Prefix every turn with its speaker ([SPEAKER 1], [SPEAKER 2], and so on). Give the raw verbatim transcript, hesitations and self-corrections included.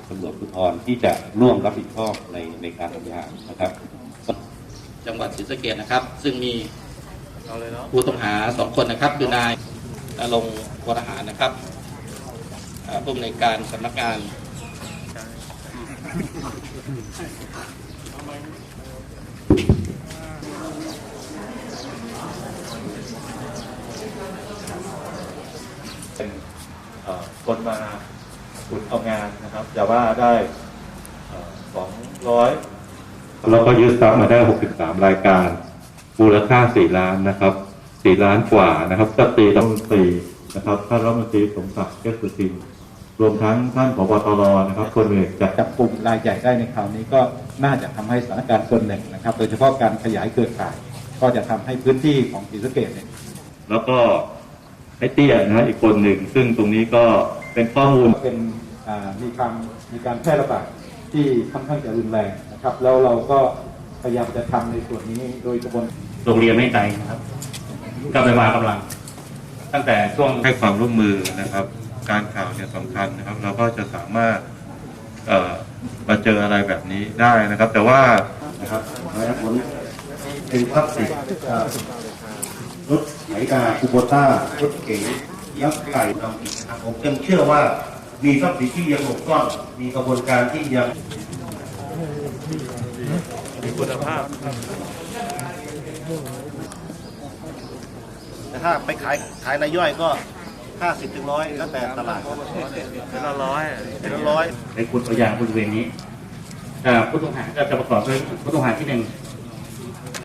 [SPEAKER 1] ตำรวจภูธรที่จะร่วมรับผิดชอบในในการทำงานนะครับจังหวัดศรีสะเกษนะครับซึ่งมีผู้ต้องหาสองคนนะครับคือนายณรงค์วรหารนะครับผู้อำนวยการสำนักงาน
[SPEAKER 2] เป็นคนมาขุดเอางานนะครับแต่ว่าได้สองร้อยแล้วก็ยึดทรัพย์มาได้หกสิบสามรายการมูลค่าสี่ล้านนะครับสี่ล้านกว่านะครับก็ตีรัฐมนตรีนะครับท่านรัฐมนตรีสมศักดิ์เทพสุทินรวมทั้งท่านผบ.ตร.นะครับคนเอกจาก
[SPEAKER 3] จับกลุ่มรายใหญ่ได้ในคราวนี้ก็น่าจะทำให้สถานการณ์ส่วนหนึ่งนะครับโดยเฉพาะการขยายเครือข่ายก็จะทำให้พื้นที่ของศรีสะเกษเนี่ย
[SPEAKER 2] แล้วก็ไอ้เตี้ยนะอีกคนหนึ่งซึ่งตรงนี้ก็เป็นข้อมูล
[SPEAKER 3] เป็นมีความมีการแพร่ระบาดที่ค่อนข้างจะรุนแรงนะครับแล้วเราก็พยายามจะทำในส่วนนี้โดยกระบวน
[SPEAKER 4] โรงเรียนไม่ไกลนะครับก็ไปวางกำลังตั้งแต่ช่วง
[SPEAKER 2] ให้ความร่วมมือนะครับการข่าวเนี่ยสำคัญนะครับเราก็จะสามารถเอ่อมาเจออะไรแบบนี้ได้นะครับแต่ว่า
[SPEAKER 5] นะครับและผลเป็นพลาสติกรถไถนาคูโบต้ารถเก๋งยักษ์ไก่ดำอีกนะครับผมยังเชื่อว่ามีทรัพย์สินที่ยังหลบซ่อนมีกระบวนการที่ยัง
[SPEAKER 6] มีคุณภาพ
[SPEAKER 5] แต่ถ้าไปขายขายรายย่อยก็ห้าสิบถึงร้อยแล้วแต่ตลาด
[SPEAKER 6] เป็นละร้อย
[SPEAKER 5] เป็นละร้อย
[SPEAKER 4] ในคุณตัวอย่างบริเวณนี้ผู้ต้องหาก็จะประกอบด้วยผู้ต้องหาที่หนึ่ง